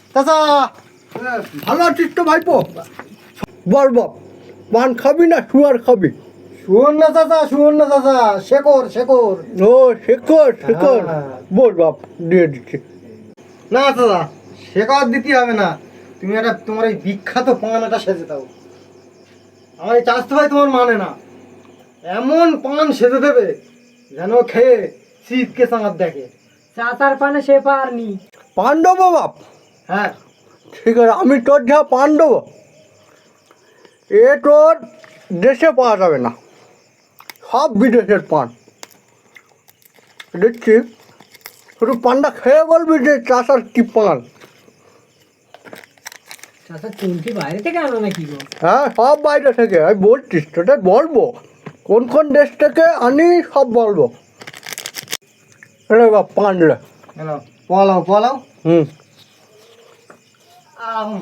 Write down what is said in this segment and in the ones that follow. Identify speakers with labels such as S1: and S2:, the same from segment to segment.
S1: চাচা
S2: ভালো আছিস তো ভাইপো? বল বাপ, পান খাবি না শুয়ার খাবি?
S1: শুনুন না চাচা, শেখর।
S2: ও শেখর।
S1: হ্যাঁ।
S2: বল বাপ, দিয়ে দিচ্ছি।
S1: না চাচা, শেখর দিতে হবে না। তুমি একটা তোমার এই বিখ্যাত পান সেজে দাও। আমার এই চাষতে ভাই তোমার মানে না, এমন পান সেজে দেবে যেন খেয়ে শীতকে চাঁদ দেখে।
S3: চাচার পানে সে পারনি।
S2: পান দেবো বাপ?
S1: হ্যাঁ,
S2: ঠিক আছে, আমি তোর যা পান দেবো এ তোর দেশে পাওয়া যাবে না, সব বিদেশের পান দিচ্ছি। শুধু পানটা খেয়ে বলবি যে চাষার কি পান।
S3: চাচা চুলটি বাইরে থেকে আনো নাকি গো?
S2: হ্যাঁ, সব বাইরে থেকে। আমি বলছিস তোদের বলবো কোন কোন দেশ থেকে আনি, সব বলবো। রে বাপ, পান রে।
S1: হ্যালো, পলাও।
S2: হুম।
S1: আম।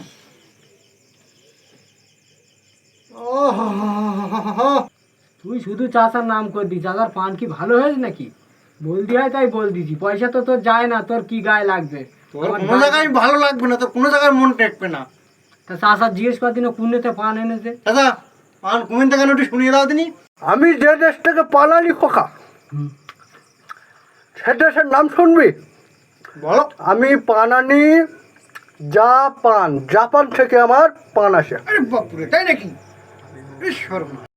S1: ওহ,
S3: তুই শুধু চাচার নাম করবি, চাচার পান কি ভালো হয়েছে নাকি? বলদি হয় তাই বল দিছি, পয়সা তো তোর যায় না, তোর কি গায়ে লাগবে?
S1: তোর
S3: আমার
S1: কোনো জায়গায় ভালো লাগবে না, তোর কোনো জায়গায় মন টেকবে না।
S3: তা চাচা জিজ্ঞেস করদিন কুন্নেতে পান এনেছে।
S1: চাচা, পান কুমিন থেকে একটু শুনিয়ে দাও তিনি।
S2: আমি যে দেশ থেকে পান আনি খোকা, সে দেশের নাম শুনবি?
S1: বলো।
S2: আমি পান আনি জাপান থেকে আমার পান আসে।
S1: আরে বাপুরে, তাই নাকি? ঈশ্বর।